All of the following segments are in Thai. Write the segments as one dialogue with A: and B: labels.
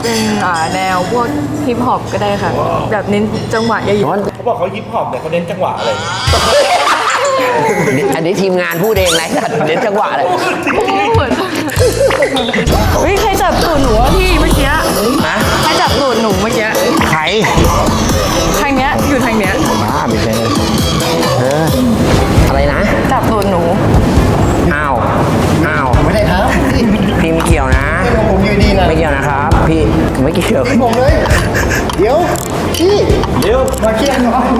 A: เป็นแนวพวกฮิปฮอปก็ได้ค่ะ แบบเน้นจังหวะเยอะๆ
B: เขาบอกเขาฮิปฮอปเนี่ยเขาเน้นจังหวะอะไร
C: อันนี้ทีมงานพูดเองไรสัตว์เน้นจังหวะเลย
A: เฮ้ยใครจับตูดหนูวะพี่เมื่อกี้
C: ฮะ
A: ใครจับตูดหนูเมื่อกี้
C: ใคร
A: ทางเนี้ยอยู่ทางเนี้ย
C: บ้าไม่ใช่อะไรนะ
A: จับตูดหนู
C: อ้าว
D: ไม่ได้ครับ
C: พี่ไม่เกี่ยวนะ
D: ผมอยู่ดีนะ
C: ไม่เกี่ยวนะครับ พี่ไม่เกี่ยว
D: ผมเลย เดี๋ยวพี่เดี๋ยวมาเคลียร์หน่อย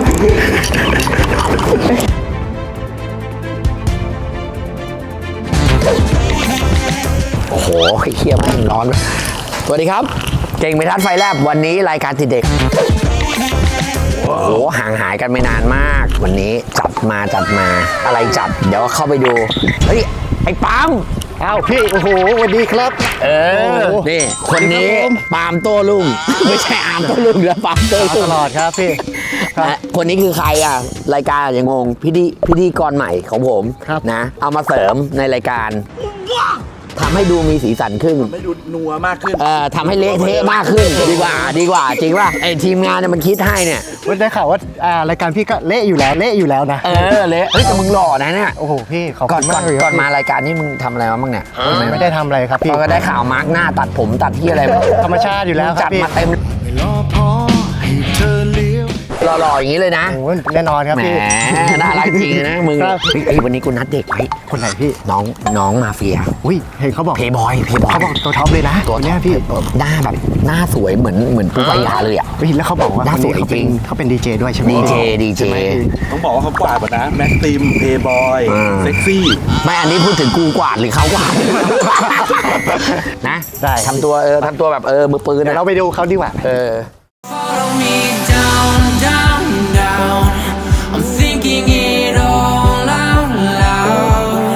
C: โอ้โหเคี้ยวแม่งร้อนสวัสดีครับ เก่งไม่ทัดไฟแลบวันนี้รายการติดเด็กโอ้โหห่างหายกันไม่นานมาก วันนี้จัดมาอะไรจัดเดี๋ยวเข้าไปดูเฮ้ยไอ้ปั๊ม
D: อ้าวพี่โอ้โหสวัสดีครับ
C: นี่คนนี้ปาล์มโต้รุ่งไม่ใช่อาร์มโต้รุ่งแล้วปาล์มโต้
D: ต
C: รุ่ง
D: ลอดครับพี่ครับ
C: คนนี้คือใครอ่ะรายการอย่างงงพิธีกรใหม่ของผม
D: ครับ
C: นะเอามาเสริมในรายการทำให้ดูมีสีสันขึ้น
B: ไม่ดูนัวมากขึ้น
C: ทำให้เละเทะมากขึ้นดีกว่าจริงป่ะไอทีมงานเนี่ยมันคิดให้เนี่ย
D: วันได้ข่าวว่ารายการพี่ก็เละอยู่แล้วนะ
C: เละเฮ้ยแต่มึงหล่อนะเนี่ย
D: โอ้โหพี่ขอบ
C: ก่อ
D: คุ
C: น
D: ณมากเลยค
C: ก่
D: รั
C: อนมารายการนี่มึงทำอะไรมาบ้างเนี่ย
D: ไม่ได้ทำอะไรครับพี่
C: ก็ได้ข่าวมาร์กหน้าตัดผมตัดที่อะไรมา
D: ธรรมชาติอยู่แล้วค
C: จั
D: รั
C: ด
D: บพี่
C: มาเต็มหล่อๆอย่างนี้เลยนะ
D: โอ้โหแน่นอนครับ
C: แหม
D: พี่
C: น่ารักจริงนะมึง
D: ครับ
C: เฮ้ยวันนี้กูนัดเด็กไว้
D: คนไหนพี่
C: น้องมาเฟีย
D: อุ้ยเห็นเขาบอก
C: เพย์บอย
D: เขาบอกตัวท็อปเลยนะ
C: ตัว
D: เนี้ยพี่
C: หน้าแบบหน้าสวยเหมือนปูปายาเลยอ่ะ
D: เฮ้ยแล้วเขาบอกว่า
C: น่า
D: คนนี้
C: สวยจริง
D: เขาเป็นดีเจด้วยใช่ไหม
C: ดีเจ
D: ใช่ไหมพี่
B: ต้องบอกว่าเขากวาดหมดนะ แม็กซิม เพย์บอย เซ็กซี่
C: ไม่อันนี้พูดถึงกูกวาดหรือเขากวาด นะ
D: ได้
C: ทำตัวทำตัวแบบมือปืน
D: เดี๋ยว
C: นะ
D: เราไปดูเขาดีกว่า
E: Follow me down, down, down. I'm thinking it all out loud.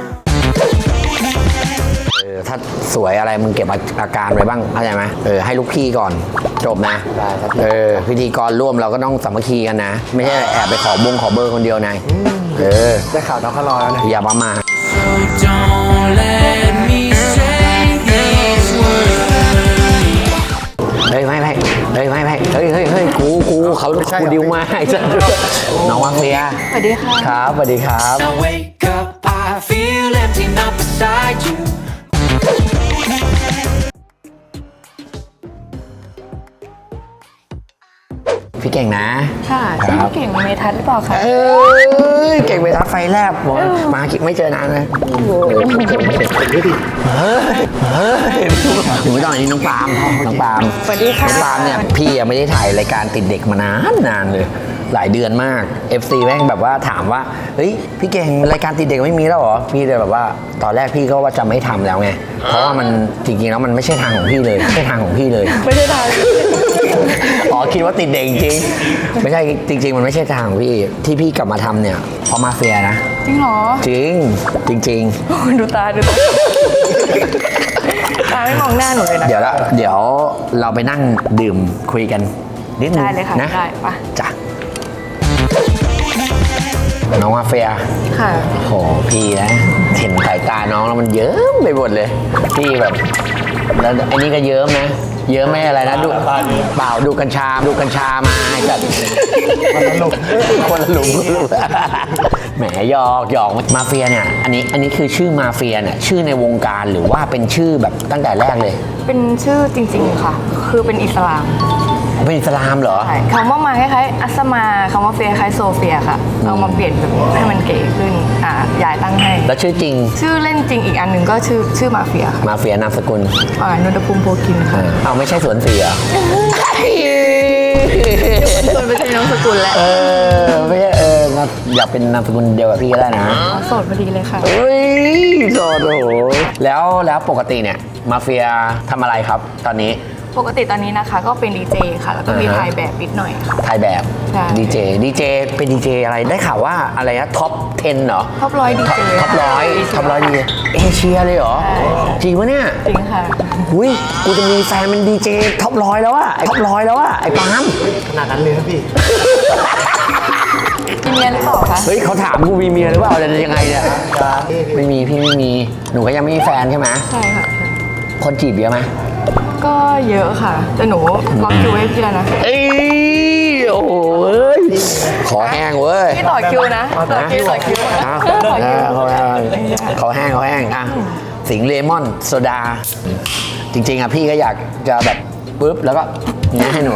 C: ถ้าสวยอะไรมึงเก็บอาการไว้บ้างเข้าใจไหมให้ลูกพี่ก่อนจบนะ
D: ได้ครับ
C: พิธีกรร่วมเราก็ต้องสามัคคีกันนะ ไม่ใช่แอบไปขอเบอร์คนเดียวนาย
D: ได้ข่าวน้องเขารอแล้วนะ
C: อย่าประมาท
E: So don't let me say these words.
C: เฮ้ยไม่กูเขากูดิวมาไอ้สัสน้องวังเฟีย
A: สวัสดีค่ะ
C: ครับสวัสดีครับ
E: I wake up, I feel empty, not beside you.
C: พี่เก่งนะ
A: ค่ะ
C: ครับ
A: พี่เก่งเมทัศน์หรือเปล่าคะ
C: เก่งไปทัดไฟแลบบอกมาไม่เจอนานเลยถึงไม่ต้องอันนี้น้องปาล์ม
A: สวัสดีค่ะ
C: น้องปาล์มเนี่ยพี่ยังไม่ได้ถ่ายรายการติดเด็กมานานเลย หลายเดือนมาก FC แม่งแบบว่าถามว่าเฮ้ยพี่เก่งรายการติดเด็กไม่มีแล้วเหรอพี่เลยแบบว่าตอนแรกพี่ก็ว่าจะไม่ทำแล้วไงเพราะว่ามันจริงๆแล้วมันไม่ใช่ทางของพี่เลยไม่ใช่ทางของพี่เลย
A: ไม่ได้ทาง
C: อ๋อคิดว่าติดเด็กจริงๆไม่ใช่จริง ๆ มันไม่ใช่ทางของพี่ที่พี่กลับมาทำเนี่ยเพราะมาเฟียนะ
A: จริงเหรอ
C: จริง
A: ดูตาตาไม่มองหน้าหนูเลยนะ
C: เดี๋ยวเราไปนั่งดื่มคุยกันนิดนึง
A: ได้เลยค่ะ
C: นะ
A: ได้ปะ
C: จ้ะน้องมาเฟีย
A: ค่ะ
C: โหพี่นะเห็นสายตาน้องแล้วมันเยิ้มไปหมดเลยพี่แบบแล้วไอ้นี่ก็เยิ้มนะเยิ้มไม่อะไรนะดูเปล่าดูกัญชามาจัดคนละหลุมแหมหยอกมาเฟียเนี่ยอันนี้คือชื่อมาเฟียเนี่ยชื่อในวงการหรือว่าเป็นชื่อแบบตั้งแต่แรกเลย
A: เป็นชื่อจริงๆค่ะ คือเป็นอิสลาม
C: เป็นอิสลามเหรอ
A: ใช่คำว่ามาคล้ายๆอัสมาคำว่าเฟียคล้ายโซเฟียค่ะเอามาเปลี่ยนแบบให้มันเก๋ขึ้นยายตั้งให้
C: แล้วชื่อจริง
A: ชื่อเล่นจริงอีกอันหนึ่งก็ชื่อมาเฟียค่ะ
C: มาเฟียนามสกุล
A: นนทภูมิโพคินค่ะ
C: เอาไม่ใช่สวนเสีย
A: ส่วนไม่ใช่น้องสกุลแล้ว
C: ไม่ใช่อยากเป็นนามสกุลเดียวกับพี่ก็ได้นะ
A: โสดพอดีเลยค่ะ
C: เฮ้ยโสดโอ้โหแล้วปกติเนี่ยมาเฟียทำอะไรครับตอนนี้
A: ปกติตอนนี้นะคะก็เป็นดีเจค่ะ แล้วก็มีถ่ายแบบนิดหน่อยค่ะ
C: ถ่ายแบบ
A: ใช่
C: ดีเจเป็นดีเจอะไรได้ข่าวว่าอะไรนะท็อป 10เหรอ
A: ท็อปร้อยดีเจ
C: ท็อปร้อยดีเอเชียเลยเหรอ
A: ใช่
C: จริงปะเนี่ย
A: จริงค่ะ
C: อุ้ยกูจะมีแฟนเป็นดีเจท็อปร้อยแล้วอะไอ้ปาล์ม
D: ขนาดนั้นเลยครับพี่
A: มีเมียหรือเปล่าคะ
C: เฮ้ยเขาถามกูมีเมียหรือเปล่าจะยังไงเนี่ยไม่มีพี่ไม่มีหนูก็ยังไม่มีแฟนใช่ไหม
A: ใช่ค่ะ
C: คนจีบเยอะไหม
A: กก็เยอะค่ะแต่หนูล็อกคิวไว้พี่แล้วนะ
C: เอ้ยโอ้โหเอ้ยขอแห้งเว้ย
A: พี่ต่อคิวนะต่อคิวต่อคิว
C: อ้าว
A: ต่อคิว
C: เขาแห้งอ่ะสิงห์เลมอนโซดา จริงๆอ่ะพี่ก็อยากจะแบบปุ๊บแล้วก็นี่ให้หนู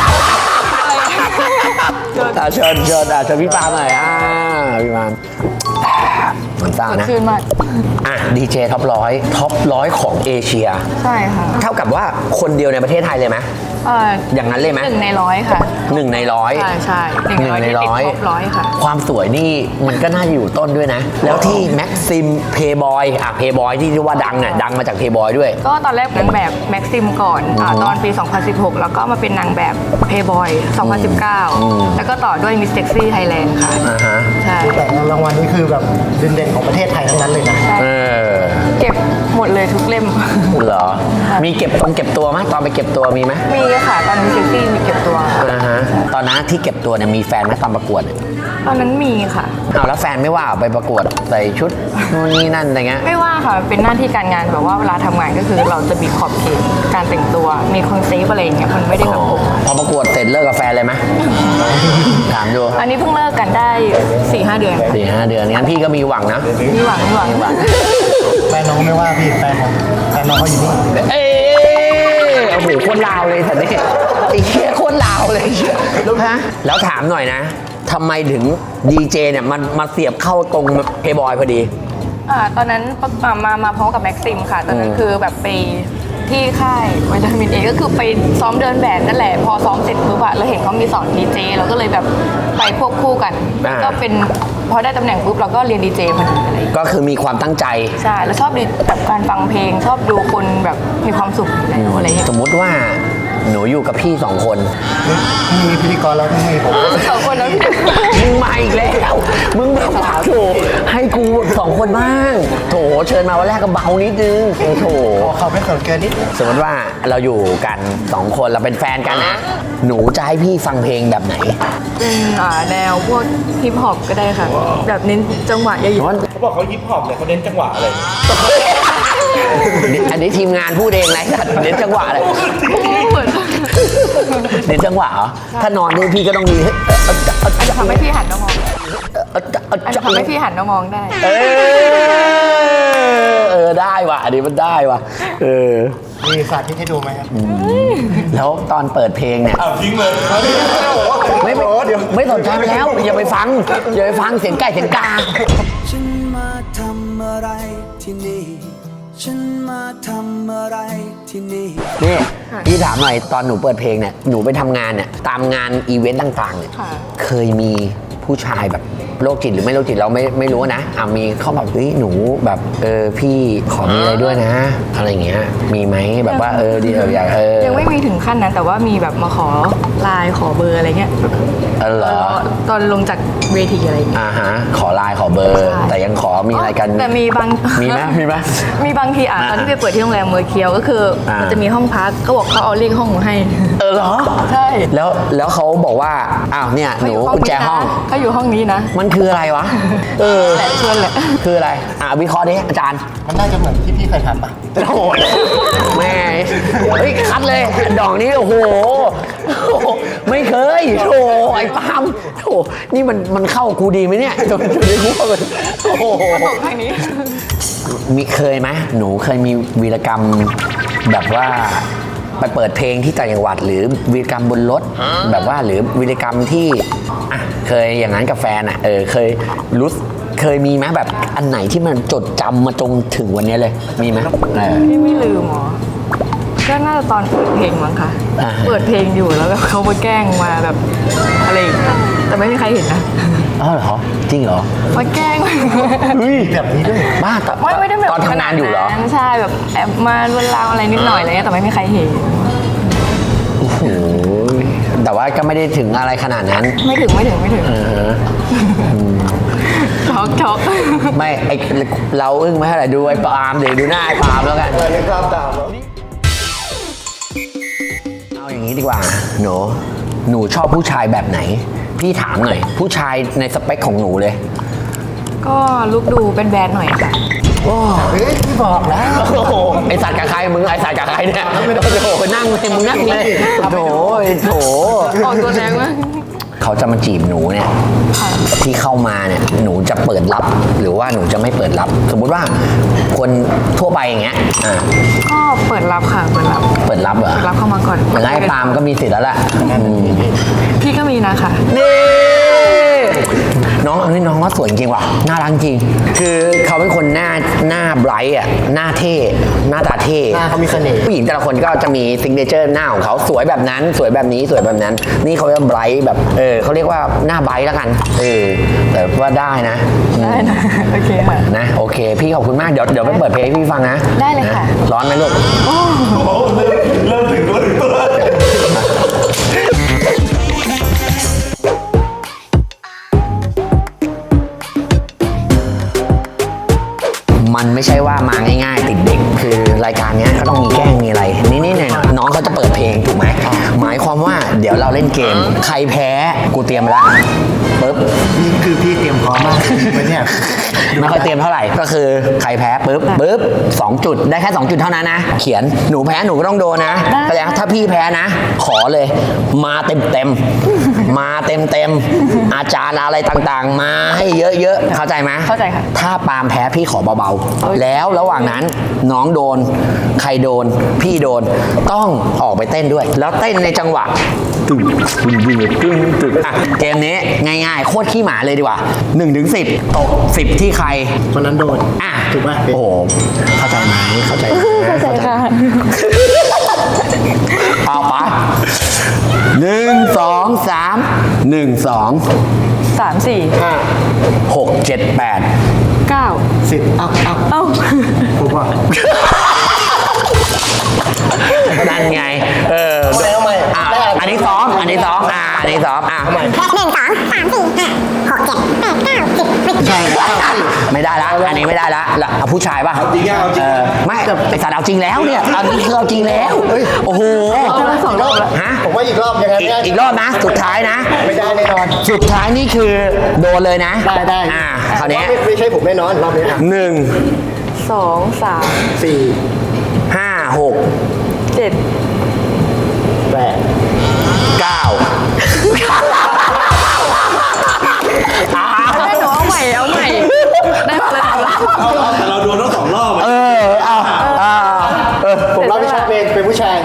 C: เชิญพี่ปาล์มหน่อยพี่ปาล์มมันซ่านะ
A: ชื่นมาก
C: อ่ะดีเจท็อปร้อยของเอเชีย
A: ใช่ค่ะ
C: เท่ากับว่าคนเดียวในประเทศไทยเลยไหม อย่างนั้นเลยไหม
A: 1 ใน 100ค่ะ
C: 1 ใน 100
A: ใช่1 ใน 100ที่ติดท็อป100ค่ะ
C: ความสวยนี่มันก็น่าจะอยู่ต้นด้วยนะ แล้วที่แม็กซิมเพย์บอยเพย์บอยที่ว่าดังดังมาจากเพย์บอยด้วย
A: ก็ตอนแรกนางแบบแม็กซิมก่อนตอนปี 2016 แล้วก็มาเป็นนางแบบเพย์บอย 2019 แล้วก็ต่อด้วยมิสเซ็กซี่ไทยแลนด์ค่ะ
C: อ่าฮะ
A: ใช่
D: แต่รางวัลนี้คือแบบเด่นๆของประเทศไทยทั้งนั้นเลยนะ
C: เออ
A: เก็บหมดเลยทุกเล่ม
C: เหรอ มีเก็บตัวไหมตอนไปเก็บตัวมีไหม
A: มีค่ะตอนมิสเซ็กซี่มีเก็บตัว
C: อ่าฮะตอนนั้นที่เก็บตัวเนี่ยมีแฟนไหมตอนประกวด
A: ตอนนั้นมีค่ะ
C: เอาแล้วแฟนไม่ว่าไปประกวดใส่ชุดนู่นนี่นั่นอะไรเงี้ย
A: ไม่ว่าค่ะเป็นหน้าที่การงานแบบว่าเวลาทำงานก็คือเราจะมีขอบเขตการแต่งตัวมีคอนเซปต์อะไรอย่างเงี้ยมันไม่ได้แบบ
C: พอประกวดเสร็จเลิกกับแฟนเลยไหม ถามดู
A: อันนี้เพิ่งเลิกกันได้ 4-5 เดือน
C: 4-5 เดือนงั้นพี่ก็มีหวังนะ
A: มีหวัง
D: แฟนน้องไม่ว่าพี่แฟนน้องเขาอยู่นี่
C: เอ้ยโอ้โหโคตรลาวเลยสัตว์นี่ไอ้เหี้ยโคตรลาวเลยฮะแล้วถามหน่อยนะทำไมถึงดีเจเนี่ยมันมาเสียบเข้าตรงเพย์บอยพอดี
A: ตอนนั้นมาพร้อมกับแม็กซิมค่ะ ตอนนั้นคือแบบไปที่ค่ายวิตามินเอก็คือไปซ้อมเดินแบบนั่นแหละพอซ้อมเสร็จปุ๊บเราเห็นเขามีสอนดีเจเราก็เลยแบบไปควบคู่กัน
C: อ่า
A: ก็เป็นพอได้ตำแหน่งปุ๊บเราก็เรียนดีเจพอดีอะไรอย่างเงี้ย
C: ก็คือมีความตั้งใจ
A: ใช่แล้วชอบแบบการฟังเพลงชอบดูคนแบบมีความสุขอยู่แล้วอะไรอย่างเงี้ย
C: สมมุติว่าหนูอยู่กับพี่สองคน
D: มีพิธีกรแล้วไม่มีผม
A: 2 คนแล้วพี่
C: มึงมาอีกแล้ว มึงแบบว่าโถให้กูสองคนบ้าง โถเชิญมาวันแรกก็เบานิดนึงโถ
D: ขอเขาไม่เขินเกินนิด
C: สมมติว่าเราอยู่กันสองคนเราเป็นแฟนกันนะ หนูจะให้พี่ฟังเพลงแบบไหน
A: เป็นแนวพวกฮิปฮอปก็ได้ค่ะ แบบเน้นจังหวะเยอะ
B: เขาบอกเขาฮิปฮอปเลยเขาเน้นจังหวะอะไร
C: อันนี้ทีมงานพูดเองนะเน้นจังหวะเลย
A: ๆเหมือน
C: เน้นจังหวะเหรอ ถ้านอนนี่พี่ก็ต้องมี
A: อาจจะทำให้พี่หันมามองอาจจะทำให้พี่หันมามองได้
C: ได้ว่ะอันนี้มันได้ว่ะ
D: มีสาธิตให้ดูไหมครับ
C: แล้วตอนเปิดเพลงเนี่ย
B: อ้าวทิ้งเลย
C: ไม่สนใจไปแล้ว อย่าไปฟังเสียงไก่เสียงกา
E: ฉันมาทำอะไรที่นี่ ฉันมาทำอะไรที่นี่
C: นี่พี่ถามหน่อยตอนหนูเปิดเพลงเนี่ยหนูไปทำงานเนี่ยตามงานอีเวนต์ต่างๆเนี่ย
A: ค่ะ
C: เคยมีผู้ชายแบบโรคจิตหรือไม่โรคจิตเราไม่รู้นะมีเขาแบบเฮ้ยหนูแบบพี่ขอมีอะไรด้วยนะ อะไรอย่างเงี้ยมีไหมแบบว่าดีอยาก
A: ยังไม่มีถึงขั้นนั้นแต่ว่ามีแบบมาขอไลน์ขอเบอร์อะไรเงี้ย
C: เหรอ
A: ตอนลงจากเวทีอะไรอย่างเงี้ย
C: ฮะขอไลน์ขอเบอร์
A: ใช่
C: แต่ยังขอมีอะไรกัน
A: แต่มีบาง
C: มีไหม
A: มีบางทีตอนที่ไปเปิดที่โรงแรมเมอร์เคียวก็คือมันจะมีห้องพักก็บอกเขาเอาเลขห้องมาให้
C: เหรอ
A: ใช่
C: แล้วเขาบอกว่าอ้าวเนี่ยหนูกุญแจห้อง
A: เขาอยู่ห้องนี้นะ
C: มันคืออะไรวะ
A: แหละชวนแหละ
C: คืออะไรวิเคราะห์ดิอาจารย์
D: มันน่าจะเหมือนที่พี่เคยทำปะ
C: โอ้ยแม่เฮ้ยคัดเลยดอกนี้โอ้โหไม่เคยโธ่ไอ้ปาล์มโธ่นี่มันเข้ากูดีไหมเนี่ยจนได้รู้ว่ามันโอ้โห
A: บอกทางนี้
C: มีเคยไหมหนูเคยมีวีรกรรมแบบว่าไปเปิดเพลงที่ต่างจังหวัดหรือวีรกรรมบนรถแบบว่าหรือวีรกรรมที่เคยอย่างนั้นกับแฟนเคยมีไหมแบบอันไหนที่มันจดจำมาจนถึงวันนี้เลยมีไหม
A: พี่ไม่ลืมหรอก็น่าจะตอนเปิดเพลงมั้งคะเปิดเพลงอยู่แล้วแบบเขามาแกล้งมาแบบอะไรอย่างเงี้ยแต่ไม่มีใครเห็นนะ
C: เหรอจริงเหรอ
A: มาแกล้ง
D: แบบนี้ด้วย
C: บ้า
A: ไม่ได้แบบ
C: ตอนทำงานอยู่เหรอ
A: ใช่แบบแอบมาลวนลามอะไรนิดหน่อยอะไรเงี้ยแต่ไม่มีใครเห็น
C: โอ้โหแต่ว่าก็ไม่ได้ถึงอะไรขนาดนั้น
A: ไม่ถึงช็อก
C: ไม่ไอเราอึ้งไม่เท่าไหร่ดูไอ้ปาล์มเดี๋ยวดูหน้าไอ้ปาล์มแล้วกัน
D: เลยครับตาม
C: เอาอย่างนี้ดีกว่าหนูชอบผู้ชายแบบไหน พี่ถามหน่อย ผู้ชายในสเปคของหนูเลย
A: ก็ลุกดูเป็นแบรนด์หน่อยค่ะ
C: โอ้
D: เฮ้ยพี่บอกแล้ว
C: โหไอสัตว์กับใครมึงไอสัตว์กับใครเนี่ยโอ้โหนั่งเลยมึงนั่งเลยโถโถ
A: ออกตัวแรงมาก
C: เขาจะมาจีบหนูเนี่ยที่เข้ามาเนี่ยหนูจะเปิดรับหรือว่าหนูจะไม่เปิดรับ สมมุติว่าคนทั่วไปอย่างเงี้ย
A: ก็เปิดรับค่ะเปิดรับ
C: เปิดรับเหรอ
A: เปิดรับเข้ามาก่อน
C: อย่างไอ้ปาล์มก็มีสิทธิ์แล้วแหละ
A: พี่ก็มีนะคะ
C: นี่น้องอันนี้น้องว่าสวยจริงว่ะน่ารักจริง คือเขาเป็นคนหน้าไบรท์อ่ะหน้าเท่หน้าตาเท่
D: หน้าเขามีเสน่ห์
C: ผู้หญิงแต่ละคนก็จะมีซิกเนเจอร์หน้าของเขาสวยแบบนั้นสวยแบบนี้สวยแบบนั้น นี่เขาเรียกไบรท์แบบเขาเรียกว่าหน้าไบรท์แล้วกันแต่ว่าได้นะ
A: ได้นะ โอเคค่ะ
C: นะโอเค พี่ขอบคุณมากเดี๋ยวไปเปิดเพลงให้พี่ฟังนะ
A: ได้เลยค่ะ
C: นร้อนไหมลูก
B: เริ่มถึงตัว
C: มันไม่ใช่ว่ามาง่ายๆติดเด็กคือรายการเนี้ยก็ต้องมีแกล้งมีอะไรนี่เนี่ยน้องเขาจะเปิดเพลงถูกไหมหมายความว่าเดี๋ยวเราเล่นเกมใครแพ้กูเตรียมมาแล้วปึ๊บ
D: นี่คือพี่เตรียมพร้อมมากจริงไหมเนี่ย
C: ไม่ค่อยเตรียมเท่าไหร่ก็คือใครแพ้ปึ๊บ2 จุดได้แค่2 จุดเท่านั้นนะเขียนหนูแพ้หนูก็ต้องโดนนะแต่ถ้าพี่แพ้นะ ขอเลยมาเต็มมาเต็มอาจารย์อะไรต่างๆ มาให้เยอะๆเข้าใจไหม
A: เข้าใจค่ะ
C: ถ้าปาล์มแพ้พี่ขอเบาๆแล้วระหว่างนั้นน้องโดนใครโดนพี่โดนต้องออกไปเต้นด้วย แล้วเต้นในจังหวะตึงเกมนี้ง่ายๆโคตรขี้หมาเลยดีกว่า1-10ตก10ที่ใคร
D: คนนั้นโดน ถูกไหม
C: โอ้โหเข้าใจไหมเข้าใจไหม
A: เข้าใจค่ะ
C: เอาไป1-2-3 1-2-6-7-8
A: 9
D: 10เอ้าถูกป่ะ
C: นั่นไง
D: ทำไม
C: อันนี้ซ้อมอันนี้ซ้อมอันนี้ซ้อม
D: ใช่
C: ไม่ได้ละอันนี้ไม่ได้ละเอาผู้ชายป่ะ
B: จริงเอาจริง
C: ไม่ไอสัตว์เอาจริงแล้วเนี่ยอันนี้คือเอาจริงแล้วโอ้โห
A: 2 รอบแล้ว
C: ฮะ
D: ผมว่าอีกรอบยังไงไม่ได้
C: อีกรอบนะสุดท้ายนะ
D: ไม่ได้แน่นอน
C: สุดท้ายนี่คือโดนเลยนะ
D: ได้
C: คราวนี้
D: ไม่ใช่ผมแน่นอนรอบนี้
C: 1
A: 2 3
D: 4
C: 5 6
A: 7
D: 8
C: 9
A: ได้หนูเอาใหม่ได้มาแล้ว
B: แต่เราโดนทั้ง2 รอบอะ
D: ผมรับผิดชอบเป็นผู้ชาย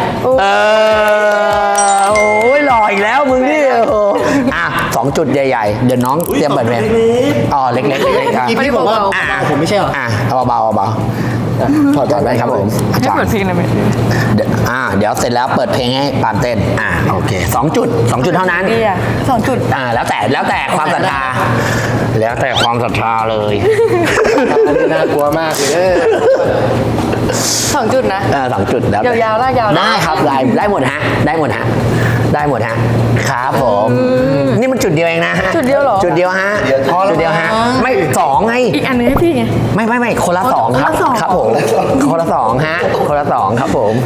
C: โอ้ยหล่ออีกแล้วมึงนี่2 จุดใหญ่ๆเดี๋ยวน้องเตรียมเปิดเพลงอ๋อเล็กๆ
D: อีพี่บอกว่าผมไม่ใช่เหรอ
C: เบาถอดได้ครับผม
A: ให้เปิดเพลงเลยไหม
C: เดี๋ยวเสร็จแล้วเปิดเพลงให้ปาล์มเต้นโอเค2 จุดเท่านั้น
A: ดีอ่ะ2 จุด
C: แล้วแต่ความศรัทธาแล้วแต่ความศรัทธาเลย
D: น่ากลัวมากเลย
A: 2 จุดนะ
C: 2 จุดแล้ว
A: ยาวๆลากยาวๆ
C: ได้ครับได้หมดฮะได้หมดฮะครับผมนี่มันจุดเดียวเองนะฮะ
A: จุดเดียวเหรอ
C: จุดเดียวฮะจุดเดียวฮะไม่2ไง
A: อีกอันนึงให้พี่ไง
C: ไม่คนละ2ครับ
A: คนละสอง
C: ครับผมคนละ2ฮะคนละ2ครับผม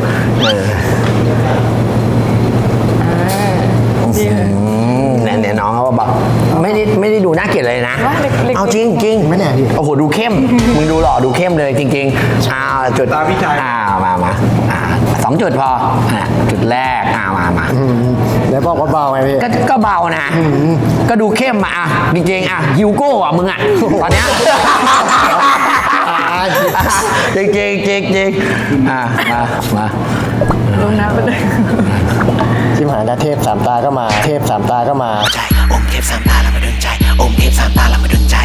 C: เนี่ยน้องเขาบอกไม่ได้ดูน่าเกลียดเลยนะ
A: ว่าเล็กๆ
C: เอาจริง
D: ไม่แน่พี่
C: โอ้โหดูเข้มมึงดูหล่อดูเข้มเลยจริงๆจุด
B: ตามพี่ชาย
C: มา2 จุดพอจุดแรกมา
D: แล้วบอกว่าเบาไงพี่
C: ก็เบานะก็ดูเข้มจริงๆฮิวโก้มึงตอนเนี้ยจริงมา
A: ลงน้ำไปเลย
D: ชิมหายนะเทพ3 ตาก็มา เทพ3 ตาก็มา
C: อมเทพ3 ตาแล้วมาดึงใจอมเทพ3 ตาแล้วมาดึงใจ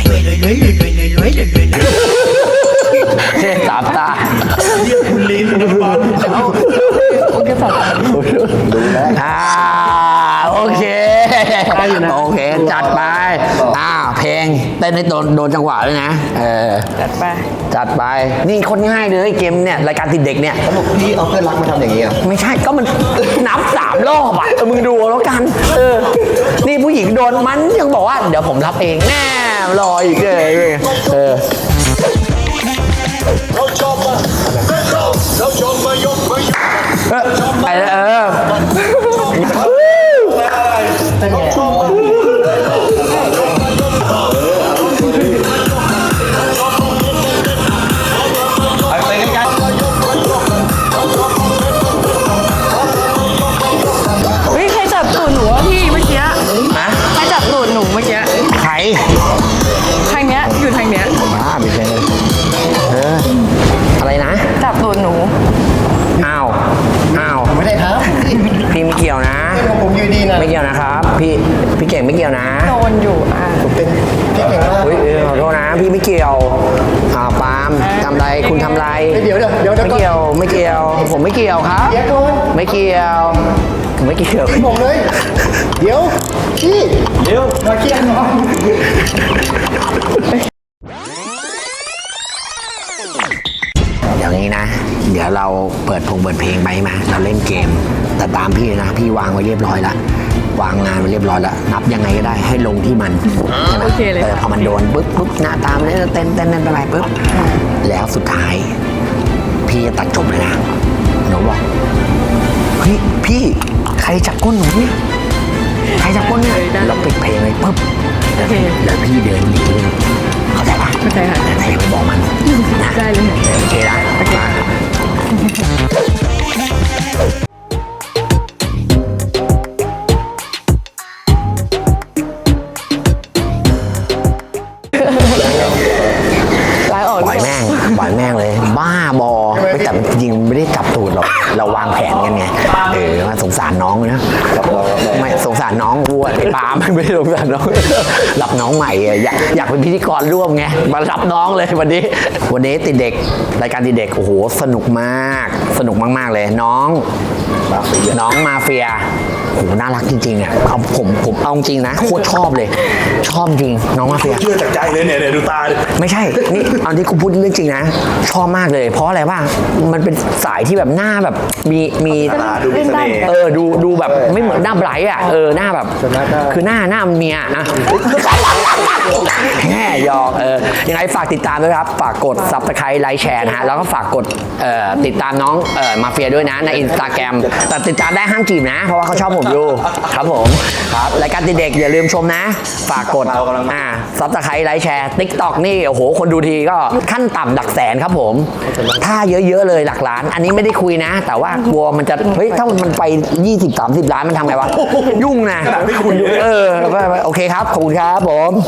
C: เทพ3 ตา
B: เรียกคุณลิ้นคุณบอล
A: โอเคสัตว์
C: โอเคโอเคจัดไปเพลงเต้นให้โดนจังหวะด้วยนะจัดไปนี่คนง่ายเลยเกมเนี่ยรายการติดเด็กเนี่ย
D: สรุปพี่เอาเพื่อนรักมาทำอย่างนี้อ่ะ
C: ไม่ใช่ก็มันนับ3 รอบมึงดูแล้วกันนี่ผู้หญิงโดนมันยังบอกว่าเดี๋ยวผมรับเองแน่รออีกเลยพี่เก่งไม่เกี่ยวนะ
A: โดนอยู่อ่ะ
D: เป็นพี่เก่งมาก
C: เฮ้ยขอโทษนะพี่ไม่เกี่ยวปาล์มทำไรคุณทำไร
D: เดี๋ยว
C: ไม่เกี่ยวไม่เกี่ยวผมไม่เกี่ยวครับ
D: เดี๋ยวก่อน
C: ไม่เกี่ยวผมไม่เกี่ยว
D: บอกเลย เดี๋ยวพี่
B: เร็ว
D: มาเคลียร์หน่อย
C: อย่างนี้นะ เดี๋ยวเราเปิดเพลงไปมาเราเล่นเกม แต่ตามพี่นะพี่วางไว้เรียบร้อยแล้ววางงานไว้เรียบร้อยแล้วนับยังไงก็ได้ให้ลงที่มันใช่ไหม
A: โอเคเลย
C: พอมันโดนปุ๊บหน้าตามเลยเต้นไปปุ๊บแล้วสุดท้าย พี่จะตัดจบเลยนะหนูบอกเฮ้ยพี่ใครจับก้นหนูเนี่ยใครจับก้นเนี่ยเราปิดเพลงเลยปุ๊บแล้วพี่เดินหนีเลยเข้าใจปะ
A: เข้าใจค่ะ
C: แต่อย่าไปบอกมันนะ
A: ได้เลย
C: โอเคนะมา
A: ล้างออก
C: ปล่อยแม่งเลย บ้าบอไม่แต่จริงๆไม่ได้จับตูดหรอกเราวางแผนกันไงมาสงสารน้องนะไม่สงสารน้องวัวไอ้ปาล์มไม่ได้สงสารน้องรับน้องใหม่อะอยากเป็นพิธีกรร่วมไงมารับน้องเลยวันนี้ติดเด็กรายการติดเด็กโอ้โหสนุกมากเลยน้องมาเฟียโอ้โหน่ารักจริงๆอ่ะผมเอาจริงนะโคตรชอบเลยชอบจริงน้องมาเฟีย
B: เชื่อจากใจเลยเนี่ยดูตาดิ
C: ไม่ใช่ นี่เอาที่กูพูดเรื่องจริงนะ ชอบมากเลย เพราะอะไรบ้าง มันเป็นสายที่แบบหน้าแบบมี
B: ตาดูมีเสน่ห์
C: ดูแบบไม่เหมือนหน้าไบรท์อ่ะ หน้าแบบ คือหน้าเมียนะแง่หยอกยังไงฝากติดตามด้วยครับ ฝากกด Subscribe ไลค์แชร์นะฮะ แล้วก็ฝากกดติดตามน้องมาเฟียด้วยนะใน Instagram แต่ติดตามได้ห้ามจีบนะ เพราะว่าเขาชอบผมอยู่ครับผม ครับ รายการติดเด็กอย่าลืมชมนะ ฝากกดSubscribe ไลค์แชร์ TikTok นี่ โอ้โห คนดูทีก็ขั้นต่ำหลักแสนครับผม ถ้าเยอะๆเลยหลักล้าน อันนี้ไม่ได้คุยนะ แต่ว่ากลัวมันจะ เฮ้ย ถ้ามันไป 20-30 ล้านมันทำไงวะ ยุ่งนะ
B: ไม่คุย
C: โอเคครับ ขอบคุณครับผม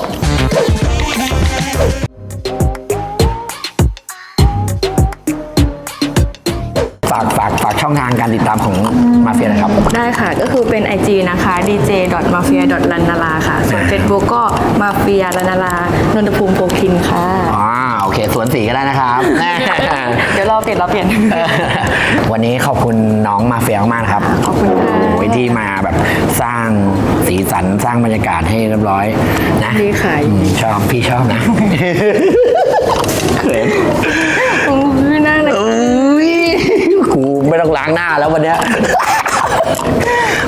C: ฝากช่องทางการติดตามของมาเฟียนะครับ
A: ได้ค่ะ ก็คือเป็น IG นะคะ dj.mafia.lanala ค่ะ ส่วน Facebook ก็ mafia ลันนาลานนทภูมิโพคินค่ะ
C: โอเคสวนสีก็ได้นะครับ
A: เดี๋ยวเราเปลี่ยน
C: วันนี้ขอบคุณน้องมาเฟียมากๆนะครับ
A: ขอบคุณค่ะ
C: โอ้ยที่มาแบบสร้างสีสันสร้างบรรยากาศให้เรียบร้อยนะ
A: ดีค่ะ
C: พี่ชอบนะเขิน
A: พี่น่ารัก
C: กูไม่ต้องล้างหน้าแล้ววันเนี้ย